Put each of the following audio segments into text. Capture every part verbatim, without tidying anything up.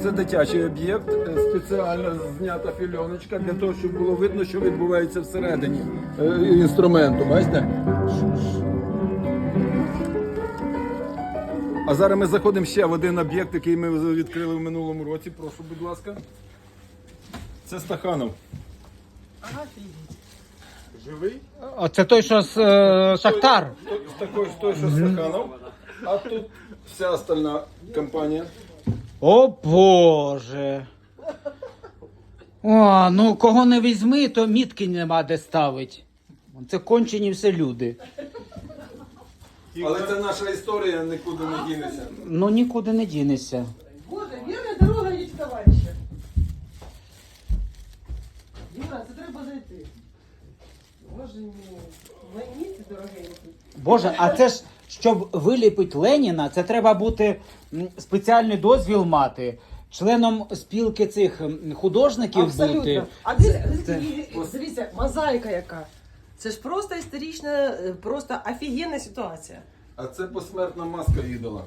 Це дитячий об'єкт, е, спеціально знята фільоночка для того, щоб було видно, що відбувається всередині е, інструменту. Бачите? А зараз ми заходимо ще в один об'єкт, який ми відкрили в минулому році. Прошу, будь ласка. Це Стаханов. Живий? А це той, що з е, Шахтар. Той, той, той, що Стаханов. А тут вся остальна компанія. О Боже. О, ну кого не візьми, то мітки нема де ставить. Це кончені все люди. Але це наша історія, нікуди не дінеться. Ну нікуди не дінешся. Боже, вірна дорога є, товариша. Юра, це треба зайти. Боже мій, мені це дорогенькі. Боже, а це ж, щоб виліпити Леніна, це треба бути м, спеціальний дозвіл мати, членом спілки цих м, художників бути. Абсолютно. А дивіться, Це- дивіться, дивіться, мозаїка яка. Це ж просто історична, е, просто офігенна ситуація. А це посмертна маска ідола.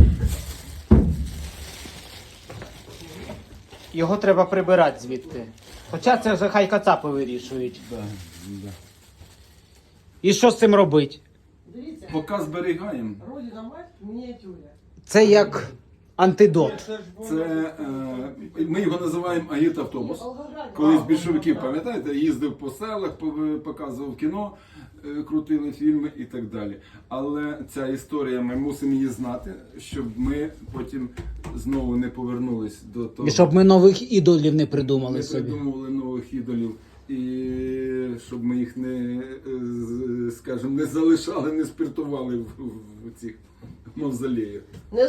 Його треба прибирати звідти. Хоча це вже хай кацапи вирішують. Да, да. І що з цим робити? Дивіться, Поки зберігаємо. Родина мать в мініатюрі. Це як антидот. Це, е, ми його називаємо Агіт-автобус. Колись більшовиків, пам'ятаєте, їздив по селах, по- показував кіно, е, крутили фільми і так далі. Але ця історія, ми мусимо її знати, щоб ми потім знову не повернулись до того. І щоб ми нових ідолів не придумали не собі. придумували нових ідолів. І щоб ми їх не, е, з- скажімо, не залишали, не спиртували в, в цих мавзолеях.